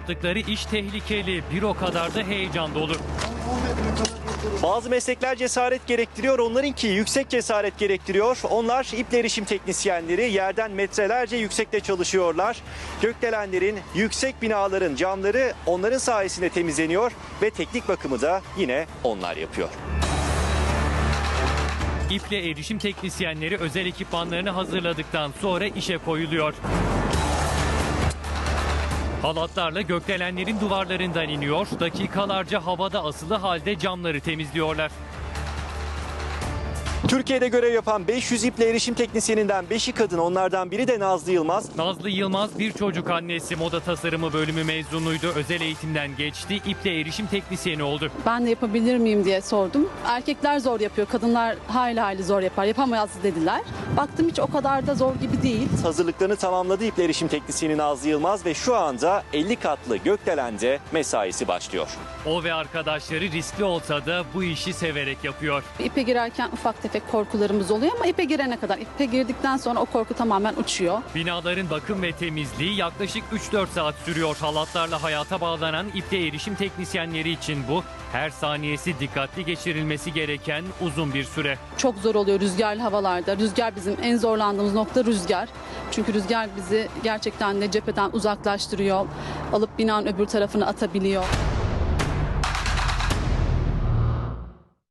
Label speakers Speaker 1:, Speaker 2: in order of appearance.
Speaker 1: Yaptıkları iş tehlikeli, bir o kadar da heyecan dolu.
Speaker 2: Bazı meslekler cesaret gerektiriyor, onlarınki yüksek cesaret gerektiriyor. Onlar iple erişim teknisyenleri, yerden metrelerce yüksekte çalışıyorlar. Gökdelenlerin, yüksek binaların camları onların sayesinde temizleniyor ve teknik bakımı da yine onlar yapıyor.
Speaker 1: İple erişim teknisyenleri özel ekipmanlarını hazırladıktan sonra işe koyuluyor. Halatlarla gökdelenlerin duvarlarından iniyor, dakikalarca havada asılı halde camları temizliyorlar.
Speaker 2: Türkiye'de görev yapan 500 iple erişim teknisyeninden 5'i kadın, onlardan biri de Nazlı Yılmaz.
Speaker 1: Nazlı Yılmaz bir çocuk annesi, moda tasarımı bölümü mezunuydu. Özel eğitimden geçti, iple erişim teknisyeni oldu.
Speaker 3: Ben de yapabilir miyim diye sordum. Erkekler zor yapıyor, kadınlar hayli zor yapar, yapamaz dediler. Baktım hiç o kadar da zor gibi değil.
Speaker 2: Hazırlıklarını tamamladı iple erişim teknisyeni Nazlı Yılmaz ve şu anda 50 katlı gökdelende mesaisi başlıyor.
Speaker 1: O ve arkadaşları riskli olsa da bu işi severek yapıyor.
Speaker 3: İpe girerken ufak tefek korkularımız oluyor ama ipe girene kadar, ipe girdikten sonra o korku tamamen uçuyor.
Speaker 1: Binaların bakım ve temizliği yaklaşık 3-4 saat sürüyor. Halatlarla hayata bağlanan iple erişim teknisyenleri için bu her saniyesi dikkatli geçirilmesi gereken uzun bir süre.
Speaker 3: Çok zor oluyor rüzgarlı havalarda. Rüzgar bizim en zorlandığımız nokta rüzgar. Çünkü rüzgar bizi gerçekten de cepheden uzaklaştırıyor. Alıp binanın öbür tarafına atabiliyor.